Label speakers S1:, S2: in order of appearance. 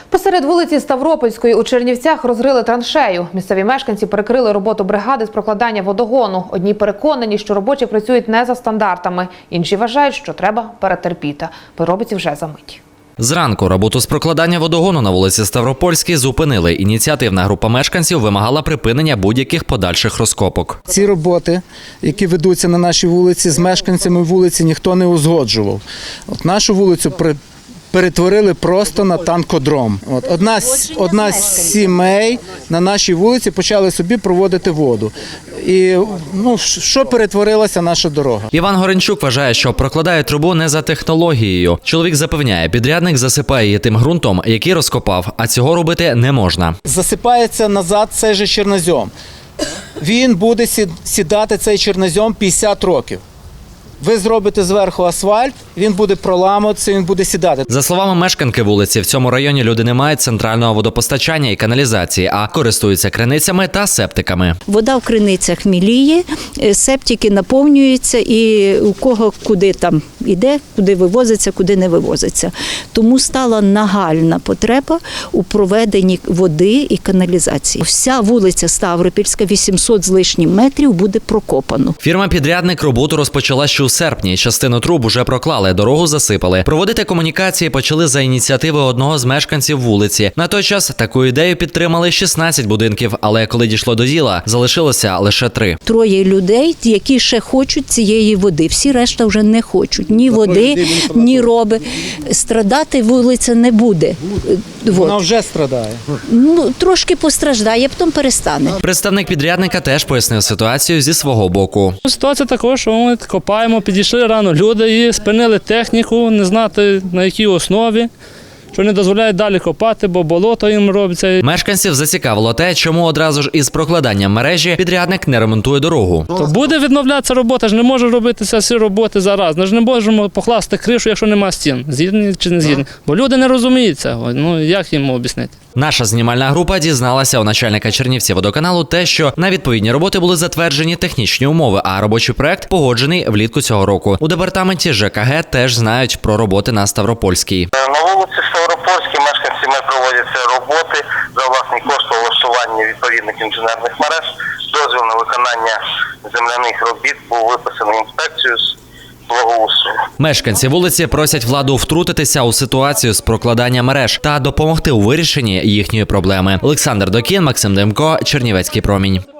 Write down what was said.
S1: Посеред вулиці Ставропольської у Чернівцях розрили траншею. Місцеві мешканці перекрили роботу бригади з прокладання водогону. Одні переконані, що робочі працюють не за стандартами. Інші вважають, що треба перетерпіти. Подробиці вже за мить.
S2: Зранку роботу з прокладання водогону на вулиці Ставропольській зупинили. Ініціативна група мешканців вимагала припинення будь-яких подальших розкопок.
S3: Ці роботи, які ведуться на нашій вулиці, з мешканцями вулиці ніхто не узгоджував. Нашу вулицю перетворили просто на танкодром. Одна з сімей на нашій вулиці почали собі проводити воду. І що перетворилася наша дорога.
S2: Іван Горенчук вважає, що прокладають трубу не за технологією. Чоловік запевняє, підрядник засипає її тим ґрунтом, який розкопав, а цього робити не можна.
S3: Засипається назад цей же чорнозем. Він буде сідати, цей чорнозем, 50 років. Ви зробите зверху асфальт, він буде проламуватися, він буде сідати.
S2: За словами мешканки вулиці, в цьому районі люди не мають центрального водопостачання і каналізації, а користуються криницями та септиками.
S4: Вода в криницях міліє, септики наповнюються і у кого куди там іде, куди вивозиться, куди не вивозиться. Тому стала нагальна потреба у проведенні води і каналізації. Вся вулиця Ставропільська, 800 з лишнім метрів, буде прокопано.
S2: Фірма-підрядник роботу розпочала ще у серпні. Частину труб уже проклали, дорогу засипали. Проводити комунікації почали за ініціативи одного з мешканців вулиці. На той час таку ідею підтримали 16 будинків, але коли дійшло до діла, залишилося лише 3.
S4: 3 людей, які ще хочуть цієї води. Всі решта вже не хочуть. Ні води, ні роби. Страдати вулиця не буде.
S3: Вона вже страдає.
S4: Трошки постраждає, потім перестане.
S2: Представник підрядника теж пояснив ситуацію зі свого боку.
S5: Ситуація така, що ми копаємо, підійшли рано люди і спинили техніку, не знати на якій основі, що не дозволяють далі копати, бо болото їм робиться.
S2: Мешканців зацікавило те, чому одразу ж із прокладанням мережі підрядник не ремонтує дорогу.
S5: То буде відновлятися робота, ж не може робитися всі роботи зараз. Ми ж не можемо покласти кришу, якщо нема стін. Згідні чи не згідні? Бо люди не розуміють цього. Як їм об'яснити?
S2: Наша знімальна група дізналася у начальника Чернівцівводоканалу те, що на відповідні роботи були затверджені технічні умови, а робочий проект погоджений влітку цього року. У департаменті ЖКГ теж знають про роботи на Ставропольській.
S6: На вулиці Ставропольській мешканцями проводяться роботи за власний кошт влаштування відповідних інженерних мереж. Дозвіл на виконання земляних робіт був виписаний інспекцією з благоустрою.
S2: Мешканці вулиці просять владу втрутитися у ситуацію з прокладання мереж та допомогти у вирішенні їхньої проблеми. Олександр Докін, Максим Демко, Чернівецький промінь.